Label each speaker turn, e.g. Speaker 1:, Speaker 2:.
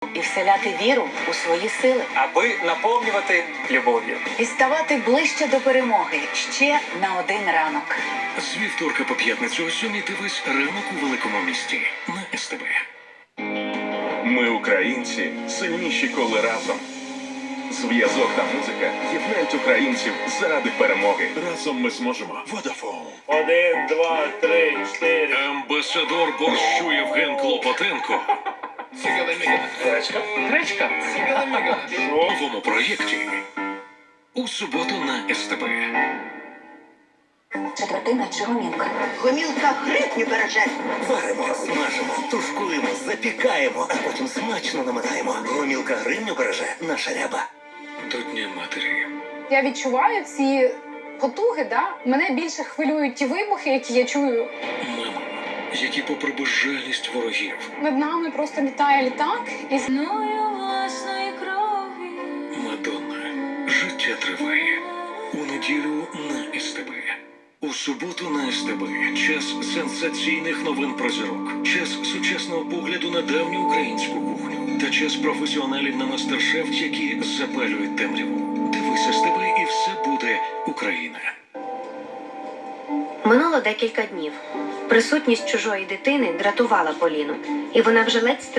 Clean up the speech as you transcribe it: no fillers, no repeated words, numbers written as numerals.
Speaker 1: і вселяти віру у свої сили.
Speaker 2: Аби наповнювати любов'ю.
Speaker 1: І ставати ближче до перемоги ще на один ранок.
Speaker 3: З вівторка по п'ятницю о 7 дивись ранок у великому місті на СТБ.
Speaker 4: Ми, українці, сильніші, коли разом. Зв'язок та музика єднають українців заради перемоги. Разом ми зможемо. Vodafone.
Speaker 5: 1, 2, 3, 4.
Speaker 3: Амбасадор борщу Євген Клопотенко
Speaker 2: Гречка.
Speaker 3: в новому проєкті у суботу на СТБ.
Speaker 1: Четвертина чи гомілка?
Speaker 6: Гомілка грибню береже.
Speaker 7: Варимо, смажимо, тушкуємо, запікаємо, а потім смачно наминаємо. Гомілка гривню береже наша ряба.
Speaker 3: До Дня матері.
Speaker 8: Я відчуваю ці потуги, да? Мене більше хвилюють ті вибухи, які я чую.
Speaker 3: Мами, які попри безжальність ворогів
Speaker 8: Над нами просто літає літак і
Speaker 3: Мадонна. Життя триває. У неділю на СТБ. У суботу на СТБ. Час сенсаційних новин про зірок. Час сучасного погляду на давню українську кухню. Та час професіоналів на мастер-шеф, які запалюють темряву. Дивись СТБ і все буде Україна.
Speaker 9: Минуло декілька днів. Присутність чужої дитини дратувала Поліну, і вона вже ледь